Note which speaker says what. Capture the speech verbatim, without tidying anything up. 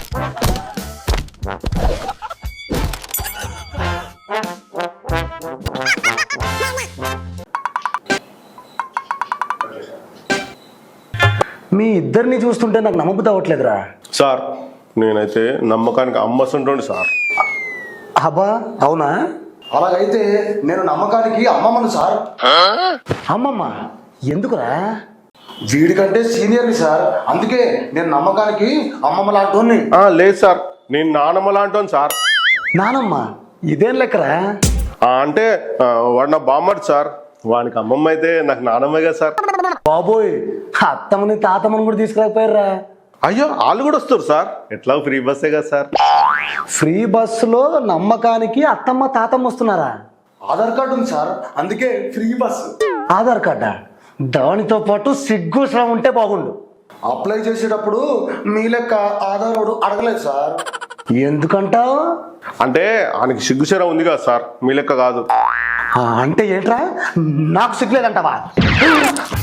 Speaker 1: మీ ఇద్దరిని చూస్తుంటే నాకు నమ్మబుద్ధి అవ్వట్లేదురా.
Speaker 2: సార్ నేనైతే నమ్మకానికి అమ్మస్తుంటండి సార్.
Speaker 1: అబ్బా అవునా?
Speaker 3: అలాగైతే నేను నమ్మకానికి అమ్మమ్మను సార్.
Speaker 1: అమ్మమ్మ ఎందుకురా?
Speaker 3: వీడికంటే సీనియర్ని సార్, అందుకే నేను నమ్మకానికి అమ్మమ్మ లాంటి.
Speaker 2: ఆ, లేదు సార్, నేను నానమ్మ లాంటాను సార్.
Speaker 1: నానమ్మ ఇదేం లెక్కరా?
Speaker 2: ఆ, అంటే ఆ, వాడు నా బామ్మడు సార్. వానికి అమ్మమ్మ అయితే నాకు నానమ్మే కదా సార్.
Speaker 1: బాబోయ్, అత్తమ్మని తాతమ్మని కూడా తీసుకురాకపోయారా?
Speaker 2: అయ్యో, వాళ్ళు కూడా వస్తారు సార్, ఎట్లా ఫ్రీ బస్సే కదా సార్.
Speaker 1: ఫ్రీ బస్సులో నమ్మకానికి అత్తమ్మ తాతమ్మ వస్తున్నారా?
Speaker 3: ఆధార్ కార్డు ఉంది సార్, అందుకే ఫ్రీ బస్.
Speaker 1: ఆధార్ కార్డా? దానితో పాటు సిగ్గు శ్రమ ఉంటే బాగుండు.
Speaker 3: అప్లై చేసేటప్పుడు మీ లెక్క ఆధార్ కార్డు అడగలేదు సార్.
Speaker 1: ఎందుకంటావు?
Speaker 2: అంటే ఆయనకి సిగ్గుచర ఉంది కదా సార్, మీ లెక్క కాదు.
Speaker 1: అంటే ఏంట్రా, నాకు సిగ్గులేదంటావా?